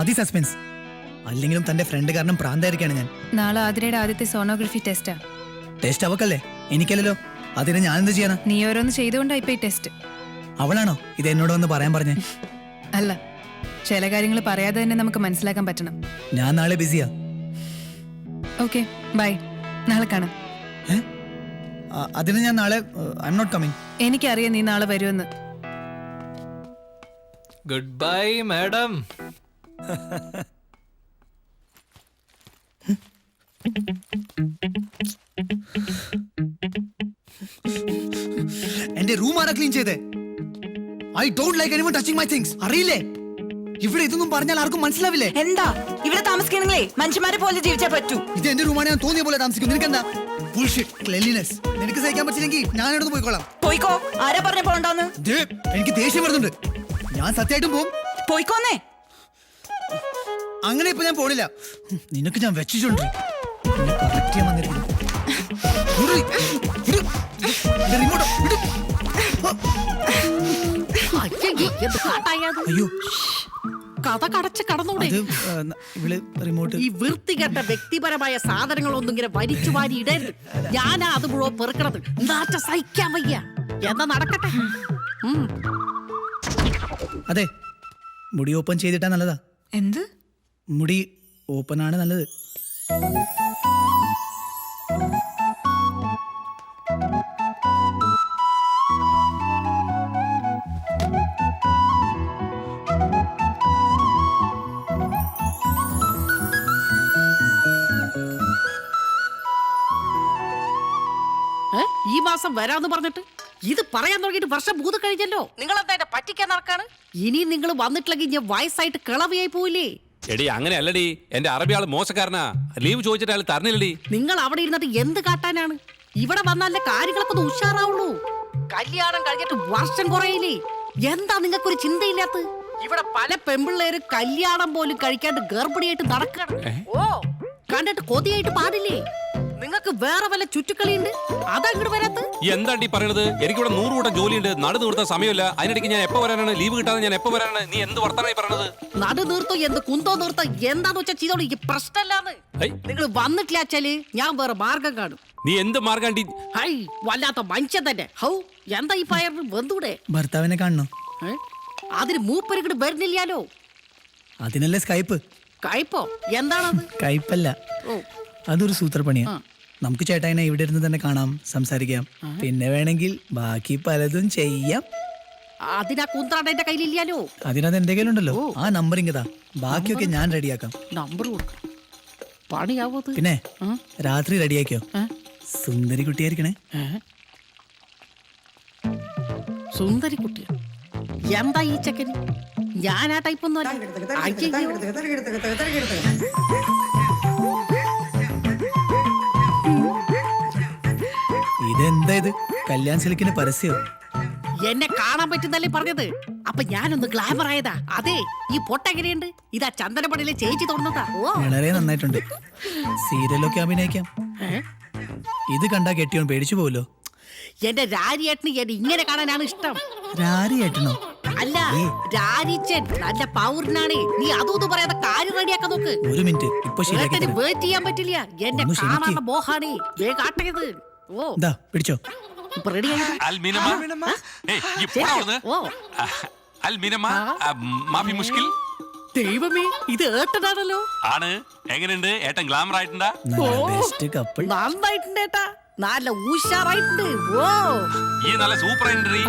മതി സസ്പെൻസ്. അല്ലെങ്കിലും തന്റെ ഫ്രണ്ട് കാരണം പ്രാന്തായിരിക്കാണ് ഞാൻ. നാളെ ആതിരയുടെ ആദ്യത്തെ സോണോഗ്രഫി ടെസ്റ്റാ. ടെസ്റ്റ് അവക്കല്ലേ, എനിക്കല്ലല്ലോ. അതിന് ഞാൻ എന്ത് ചെയ്യാനാ? നീ ഓരോന്ന് ചെയ്തുകൊണ്ടാ ഇപ്പൊ ഈ ടെസ്റ്റ്. അവളാണോ ഇത് എന്നോട് വന്ന് പറയാൻ പറഞ്ഞേ? അല്ല, ചില കാര്യങ്ങൾ പറയാതെ തന്നെ നമുക്ക് മനസ്സിലാക്കാൻ പറ്റണം. ഞാൻ നാളെ ബിസിയാ. Okay, by. നാളെ കാണാം. അതിന് ഞാൻ നാളെ ഐ എം നോട്ട് കമ്മിങ്. എനിക്കറിയാം നീ നാളെ വരുമെന്ന്. Goodbye madam. എന്റെ റൂം ആരാ ക്ലീൻ ചെയ്തേ? I don't like anyone touching my things. അറിയില്ലേ, ഇവിടെ ഇതൊന്നും പറഞ്ഞാൽ ആർക്കും മനസ്സിലാവില്ലേ? എന്താ ഇവിടെ താമസിക്കണെങ്കിലേ മനുഷ്യന്മാരെ പോലെ ജീവിച്ചാ പറ്റൂ. ഇത് എന്റെ റൂമാണ്, ഞാൻ തോന്നിയ പോലെ താമസിക്കും. നിനക്കെന്താ? Bullshit cleanliness. നിനക്ക് സഹിക്കാൻ പറ്റില്ലെങ്കിൽ ഞാൻ എടുത്ത് പോയിക്കോളാം. പോയിക്കോ. ആരാ പറഞ്ഞ പോണ്ടെന്ന്? എനിക്ക് ദേഷ്യം വരുന്നുണ്ട്. ഞാൻ സത്യമായിട്ടും പോവും. പോയിക്കോന്നേ. അങ്ങനെ ഇപ്പൊ ഞാൻ പോണില്ല. നിനക്ക് ഞാൻ വെച്ചിട്ടുണ്ട്. കറക്റ്റ് ചെയ്യാൻ വന്നിരിക്കുന്നു. അയ്യോ, കഥ കടച്ച് കടന്നൂടെ? റിമോട്ട്. ഈ വൃത്തികെട്ട വ്യക്തിപരമായ സാധനങ്ങളൊന്നും ഇങ്ങനെ വലിച്ചു വാരി ഇടരുത്. ഞാനാ അത് മുഴുവൻ പെറുക്കണത്. നാറ്റ സഹിക്കാൻ വയ്യ. എന്താ നടക്കട്ടെ. അതെ, മുടി ഓപ്പൺ ചെയ്തിട്ടാ നല്ലതാ. എന്ത്? മുടി ഓപ്പൺ ആണ് നല്ലത്. ഈ മാസം വരാന്ന് പറഞ്ഞിട്ട് ഇത് പറയാൻ തുടങ്ങിയിട്ട് വർഷം 3 കഴിഞ്ഞല്ലോ. നിങ്ങൾ എന്താ എന്നെ പറ്റിക്കാൻ നടക്കാണ്? ഇനി നിങ്ങൾ വന്നിട്ടില്ലെങ്കിൽ ഞാൻ വയസ്സായിട്ട് കിളവിയായി പോയില്ലേ? എടി അങ്ങനെ അല്ലടി, എന്റെ അറബി ആള് മോശക്കാരനാ. ലീവ് ചോദിച്ചിട്ട് അയാൾ തരണില്ലടി. നിങ്ങൾ അവിടെ ഇരുന്നിട്ട് എന്ത് കാട്ടാനാണ്? ഇവിടെ വന്നാലേ കാര്യങ്ങളൊക്കെ ഒന്ന് ഉഷാറാവുള്ളൂ. കല്യാണം കഴിഞ്ഞിട്ട് വർഷം കുറയില്ലേ? എന്താ നിങ്ങൾക്കൊരു ചിന്തയില്ലാത്ത? ഇവിടെ പല പെമ്പിള്ളേരും കല്യാണം പോലും കഴിക്കാണ്ട് ഗർഭിണിയായിട്ട് നടക്കണം. ഓ, കണ്ടിട്ട് കൊതിയായിട്ട് പാടില്ലേ? നിങ്ങൾക്ക് വേറെ വല്ല ചുറ്റുക്കളിയുണ്ട്, അതങ്ങോട്ട് വരാത്ത? എന്താണ്ടി പറയണത്? എനിക്കിവിടെ 100 കൂട്ടം ജോലിയുണ്ട്. നടു നിർത്താൻ സമയമില്ല. അതിനിടയ്ക്ക് ഞാൻ എപ്പോ വരാനാണ്? ലീവ് കിട്ടാതെ ഞാൻ എപ്പോ വരാനാണ്? നീ എന്ത് വർത്തമാനമായി പറയണത്? നടു നിർത്തോ എന്ത് കുന്തോ നിർത്തോ എന്താന്ന് വെച്ചാൽ ചെയ്തോളൂ. ഈ പ്രശ്നമല്ലാന്ന്. നിങ്ങൾ വന്നിട്ടില്ല വെച്ചാല് ഞാൻ വേറെ മാർഗം കാണും. നീ എന്ത് മാർഗാണ്ടി? ഹൈ, വല്ലാത്ത മനുഷ്യൻ തന്നെ. ഹൗ, എന്താ ഈ പയറിന് വെന്തൂടെ? ഭർത്താവിനെ കാണണോ? അതിന് മൂപ്പരിക്കട് വരുന്നില്ലാലോ. അതിനല്ലേ സ്കൈപ്പ്. കയ്പോ? എന്താണത്? കയ്പല്ല, അതൊരു സൂത്രപ്പണിയാ. നമുക്ക് ചേട്ടായിനെ ഇവിടെ ഇരുന്ന് തന്നെ കാണാം, സംസാരിക്കാം. പിന്നെ വേണമെങ്കിൽ ബാക്കി പലതും ചെയ്യാം. അതിനാ കുന്ത്രാണ്ട എന്റെ കയ്യിലില്ലാലോ. അതിനകത്ത് എന്റെ കയ്യിലുണ്ടല്ലോ. ആ നമ്പർ ഇങ്ങതാ, ബാക്കിയൊക്കെ ഞാൻ റെഡിയാക്കാം. നമ്പർ കൊടുക്കാം. പണിയാവോ? പിന്നെ രാത്രി റെഡിയാക്കിയോ? സുന്ദരി കുട്ടിയായിരിക്കണേ. സുന്ദരി കുട്ടിയ? എന്താ ഈ ചെക്കന്? ഞാൻ ആ ടൈപ്പ് ഒന്നും ഇതെന്താ ഇത്? കല്യാൺ സിൽക്കിന് പരസ്യോ? എന്നെ കാണാൻ പറ്റുന്നല്ലേ പറഞ്ഞത്. അപ്പൊ ഞാനൊന്ന് ഗ്ലാമർ ആയതാ. അതെ, ഈ പൊട്ടെങ്ങനെയുണ്ട്? ഇതാ ചന്ദനപ്പടിയിലെ ചേച്ചി തോന്നുന്നതാ. വളരെ നന്നായിട്ടുണ്ട്. സീരിയലൊക്കെ അഭിനയിക്കാം. ഇത് കണ്ടാ കെട്ടിയോൻ പേടിച്ചു പോവല്ലോ. എന്റെ രാരിയേട്ടന് എന്നെ ഇങ്ങനെ കാണാനാണ് ഇഷ്ടം. രാരിയേട്ടനോ? അല്ല, രാരിച്ചൻ നല്ല പൗരനാണ്. നീ അതൊന്നും പറയാതെ കാര്യം റെഡിയാക്കാൻ നോക്ക്. ഒരു മിനിറ്റ്, ഇപ്പൊ ശരിയാക്കി വെയിറ്റ് ചെയ്യാൻ പറ്റില്ല. എന്നെ കാണാനുള്ള മോഹാണ്. വേഗം ആട്ടത്. ഓ, പിടിച്ചോ. ഇപ്പൊ റെഡി ആയി. ദൈവമേ, ഇത് ഏട്ടനാണല്ലോ. ആണ്. എങ്ങനെയുണ്ട് ഏട്ടൻ? ഗ്ലാമർ ആയിട്ടുണ്ടാ? നന്നായിട്ടുണ്ട് ഏട്ടാ. നല്ല ഉഷാറായിട്ടുണ്ട്. ഓ, ഈ നല്ല സൂപ്പർ ആയിട്ടുണ്ട്.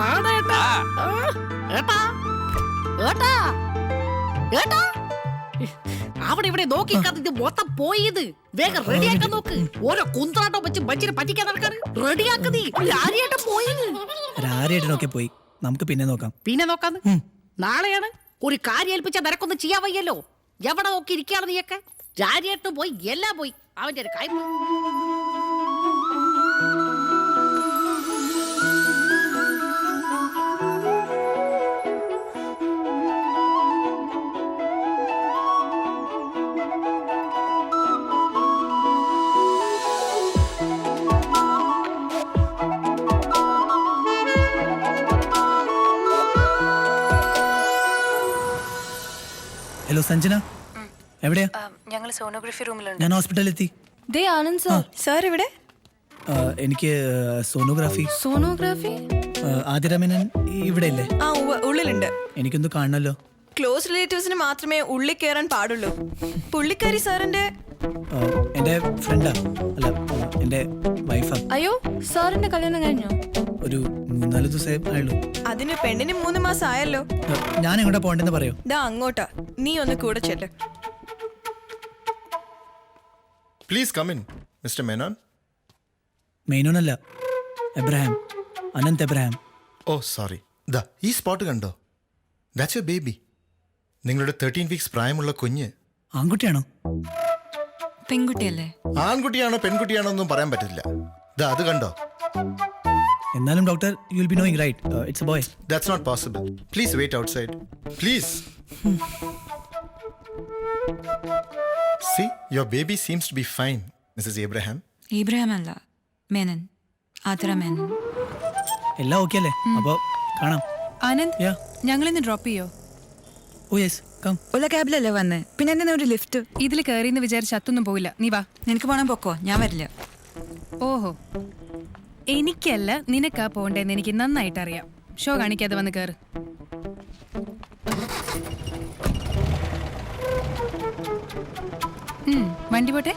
അവിടെ ഇവിടെ നോക്കി ഇത് മൊത്തം പോയത്. വേഗം റെഡിയാക്കാൻ നോക്ക്. ഓരോ കുന്ത്രാട്ടോ വെച്ച് മനുഷ്യനെ പറ്റിക്കാൻ നടക്കാൻ റെഡിയാക്കുന്നേ. രാരിയേട്ടൻ പോയത്. രാരിയേട്ടനൊക്കെ പോയി, നമുക്ക് പിന്നെ നോക്കാം. പിന്നെ നോക്കാന്ന്? നാളെയാണ്. ഒരു കാര്യം ഏൽപ്പിച്ച നിനക്കൊന്നും ചെയ്യാൻ വയ്യല്ലോ. എവിടെ നോക്കി ഇരിക്കുകയാണ് നീയൊക്കെ? രാരിയേട്ടനും പോയി, എല്ലാം പോയി. അവന്റെ ഒരു കാര്യം. ഹലോ സഞ്ജന, എവിടെയാ? ഞങ്ങൾ സോണോഗ്രഫി റൂമിലുണ്ട്. ഞാൻ ഹോസ്പിറ്റലിൽ എത്തി. ദേ ആനന്ദ് സാർ. സാർ ഇവിടെ? എനിക്ക് സോണോഗ്രാഫി. സോണോഗ്രാഫി? ആതിരമേനൻ ഇവിടെ ഇല്ലേ? ആ ഉള്ളിലുണ്ട്. എനിക്കൊന്ന് കാണണല്ലോ. ക്ലോസ് റിലേറ്റീവ്സിന് മാത്രമേ ഉള്ളിൽ കയറാൻ പാടുള്ളൂ. പുള്ളിക്കാരി സാറിന്റെ എൻ്റെ ഫ്രണ്ടാ, അല്ല എൻ്റെ വൈഫാ. അയ്യോ, സാറിന്റെ കല്യാണം കഴിഞ്ഞോ? ഒരു 3-4 ദിവസമേ ആയുള്ളൂ. അതിന് പെണ്ണിന് 3 മാസം ആയല്ലോ. ഞാൻ എങ്ങോട്ടാ പോകണ്ടെന്ന് പറയോ? ദാ അങ്ങോട്ടാ, നീ ഒന്ന് കൂടെ ചെല്ല്. Please come in, Mr. Menon. മെയിനോനല്ല, Abraham, Anant Abraham. Oh, sorry. ദാ ഈ സ്പോട്ട് കണ്ടോ? That's your baby. നിങ്ങളുടെ 13 വീക്സ് പ്രായമുള്ള കുഞ്ഞ്. ആൺകുട്ടിയാണോ? പെൺകുട്ടിയല്ലേ? ആൺകുട്ടിയാണോ പെൺകുട്ടിയാണോ ഒന്നും പറയാൻ പറ്റില്ല. ദാ അത് കണ്ടോ? എന്നാലും doctor, you will be knowing right, it's a boy. That's not possible. Please wait outside. Please. See, your baby seems to be fine, Mrs. Abraham. Ibrahim അല്ല, മേനൻ, ആതിര മേനൻ. എല്ലാം ഓക്കെ അല്ലേ? അപ്പോൾ കാണാം. ആനന്ദ്, Yeah. ഞങ്ങളിന്ന് ഡ്രോപ്പ് ചെയ്യോ? Oh yes, come. ഉള്ള ക്യാബിലല്ലേ വന്നേ, പിന്നെ എന്താ ഒരു ലിഫ്റ്റ്? ഇതിൽ കയറിയെന്ന് വിചാരിച്ച് അത്തൊന്നും പോയില്ല. നീ വാ. നിനക്ക് പോണം, പൊക്കോ, ഞാൻ വരില്ല. ഓഹോ, എനിക്കല്ല നിനക്കാ പോണ്ടേന്ന് എനിക്ക് നന്നായിട്ട് അറിയാം. ഷോ കാണിക്കാതെ വന്ന് കയറ്. വണ്ടി പോട്ടെ.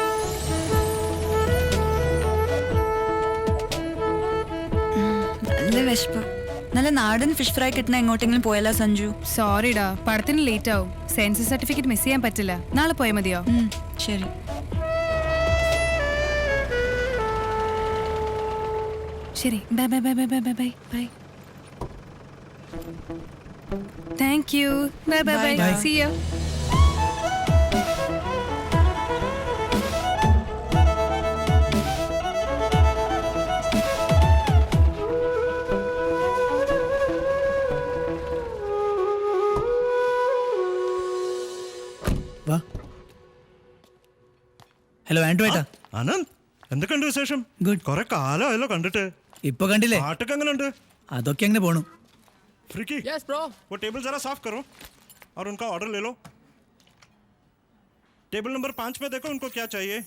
നല്ല വിശപ്പ്. നല്ല നാടൻ ഫിഷ് ഫ്രൈ കിട്ടണ എങ്ങോട്ടെങ്കിലും പോയാലോ സഞ്ജു? സോറിടാ, പടത്തിന് ലേറ്റ് ആവും. സെൻസസ് സർട്ടിഫിക്കറ്റ് മിസ് ചെയ്യാൻ പറ്റില്ല. നാളെ പോയാൽ മതിയോ? ശരി. ശരി, bye bye bye bye bye bye bye bye. Thank you. Bye bye bye. Bye. See you. വാ. ഹലോ ആൻഡ്രു ഏട്ടാ. ആനന്ദ്, എന്തൊക്കെയുണ്ട് വിശേഷം? Good. കുറെ കാലമായല്ലോ കണ്ടിട്ട്. ഇപ്പൊ കണ്ടില്ലേ? പാട്ടൊക്കെ എങ്ങനെയുണ്ട്? അതൊക്കെ അങ്ങനെ പോണു. फ्रिकी, यस ब्रो, वो टेबल जरा साफ करो और उनका ऑर्डर ले लो. टेबल नंबर 5 में देखो उनको क्या चाहिए.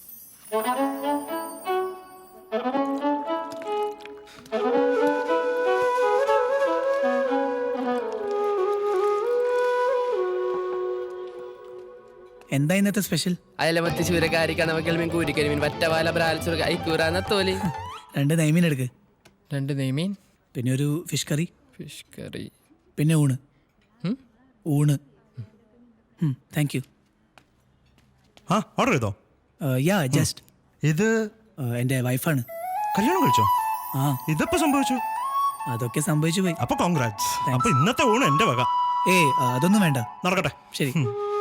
എന്താ ഇന്നത്തെ സ്പെഷ്യൽ? അയലമത്തി ചൂരക്കാരി കണവക്കൽമീൻ കൂരിക്കരിമീൻ വറ്റവാല ബ്രാൽസുര ഐക്കൂറാന്ന തോലി. 2 നെയ്മീൻ എടുക്ക്. 2 നെയ്മീൻ, പിന്നെ ഒരു ഫിഷ് കറി, ഫിഷ് കറി, പിന്നെ ഊണ്. ഊണ്. Thank you. हाँ ऑर्डर ചെയ്തോ? Yeah just. ഇത് എൻ്റെ വൈഫാണ്. കല്യാണം കഴിച്ചോ? ആ, ഇതെപ്പോ സംഭവിച്ചു? അതൊക്കെ സംഭവിച്ചു പോയി. അപ്പൊ കോൺഗ്രാറ്റ്സ്. അപ്പൊ ഇന്നത്തെ ഊണ് എന്റെ വക. ഏയ് അതൊന്നും വേണ്ട. നടക്കട്ടെ. ശരി.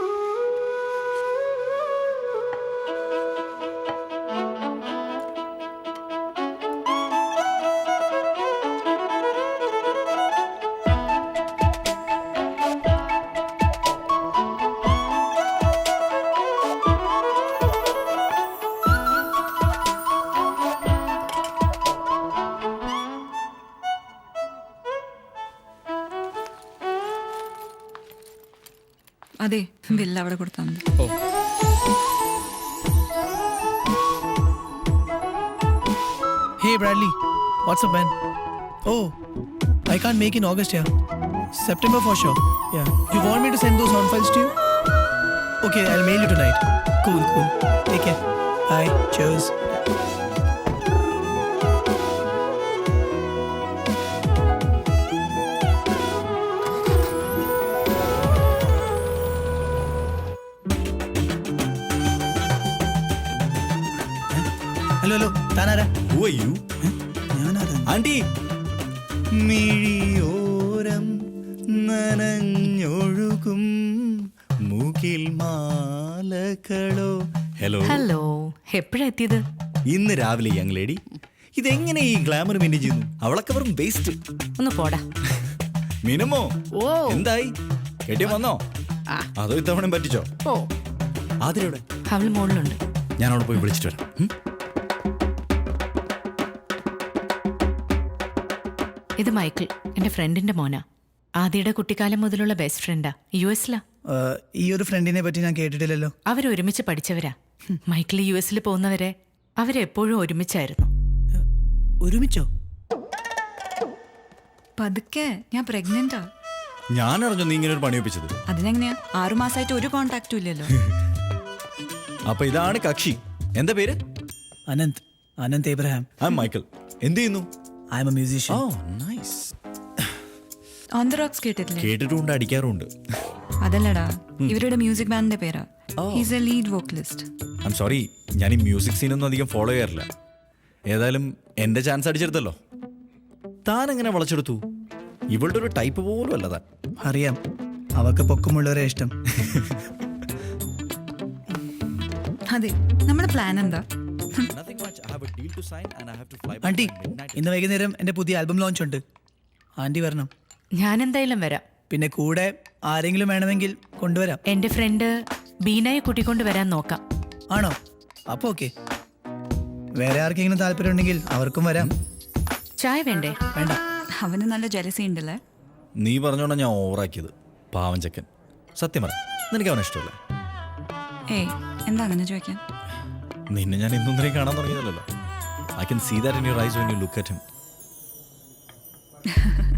അതെ, ബില്ല് അവിടെ കൊടുത്താൽ മതി. Hey Bradley, what's up man? Oh, I can't make in August, yeah. September for sure. Yeah. You want me to send those sound files to you? Okay, I'll mail you tonight. Cool, cool. Take care. Bye. Cheers. Hello താനാരാ? ഞാനാരാ? Anti, മിഴിയോരം നനഞ്ഞൊഴുകും മൂക്കിൽ മാലകളോ. Hello hello, എപ്പോഴാ എത്തിയത്? ഇന്ന് രാവിലെ young lady. ഇതെങ്ങനെ ഈ glamour maintain ചെയ്യുന്നു? അവളൊക്കെ വെറും വേസ്റ്റ്. ഒന്ന് പോടാ. മിനുമോ, ഓ, എന്തായി? കെട്ടിയം വന്നോ? അതോ ഇത്തവണ പറ്റിച്ചോ? ഓ, ആതിരയുടെ അവൾ മോളിലുണ്ട്. ഞാൻ അവിടെ പോയി വിളിച്ചിട്ട് വരാം. ഇത് മൈക്കിൾ, എന്റെ ഫ്രണ്ടിന്റെ മോനാ. ആദിയുടെ കുട്ടിക്കാലം മുതലുള്ള ബെസ്റ്റ് ഫ്രണ്ടാ. US-ലാ. ഈ ഒരു ഫ്രണ്ടിനെ പറ്റി ഞാൻ കേട്ടിട്ടില്ലല്ലോ. അവരൊരുമിച്ച് പഠിച്ചവരാ. മൈക്കിൾ US പോകുന്നവരെ അവരെപ്പോഴും ഒരുമിച്ചായിരുന്നു. ഒരുമിച്ചോ? പതുക്കെ, ഞാൻ പ്രഗ്നന്റാ. ഞാൻ അറിഞ്ഞു നീ ഇങ്ങനെ ഒരു പണി ഒപ്പിച്ചത്. അതിനെങ്ങനെയാ? 6 മാസമായിട്ട് ഒരു കോണ്ടാക്റ്റും ഇല്ലല്ലോ. അപ്പൊ ഇതാണ് കക്ഷി. എന്താ പേര്? Anant Abraham. I am Michael. എന്ത് ചെയ്യുന്നു? I am a musician. Oh nice. On the rocks കേട്ടിട്ടില്ലേ? കേട്ടിട്ടുണ്ട്, അടിക്കാറുണ്ട്. അതല്ലടാ, ഇവരുടെ മ്യൂസിക് ബാൻഡിന്റെ പേരാ. He's a lead vocalist. I am sorry, ഞാൻ ഈ മ്യൂസിക് സീനൊന്നും അധികം ഫോളോ ചെയ്യാറില്ല. ഏതായാലും എന്റെ ചാൻസ് അടിച്ചെടുത്തല്ലോ. താൻ എങ്ങനെ വളച്ചെടുത്തു? ഇവളുടെ ഒരു ടൈപ്പ് പോലും അല്ല താൻ. അറിയാം, അവർക്ക് പൊക്കമുള്ളവരെ ഇഷ്ടം. അതെ, നമ്മുടെ പ്ലാൻ എന്താ? ആന്റി, ഇന്ന് വൈകുന്നേരം എന്റെ പുതിയ ആൽബം ലോഞ്ച് ഉണ്ട്. ആന്റി വരണം. ഞാൻ എന്തായാലും വരാം. പിന്നെ കൂടെ ആരെങ്കിലും വേണമെങ്കിൽ കൊണ്ടുവരാം. എന്റെ ഫ്രണ്ട് ബീനയെ കൂട്ടിക്കൊണ്ട് വരാൻ നോക്കാം. ആണോ? അപ്പൊ ഓക്കെ. വേറെ ആർക്കെങ്കിലും താല്പര്യം ഉണ്ടെങ്കിൽ അവർക്കും വരാം. ചായ വേണ്ടേ? വേണ്ട. അവന് നല്ല ജലസി ഉണ്ടല്ലേ. നീ പറഞ്ഞോണ്ടാ ഞാൻ ഓവറാക്കിയത്. പാവം ചെക്കൻ. സത്യം പറ, നിനക്ക് അവനെ ഇഷ്ടമല്ല? ഏയ്, എന്താ അങ്ങനെ ചോദിക്കാൻ? നിന്നെ ഞാൻ ഇന്നൊന്നരയും കാണാൻ തുടങ്ങിയതല്ലോ. I can see that in your eyes when you look at him.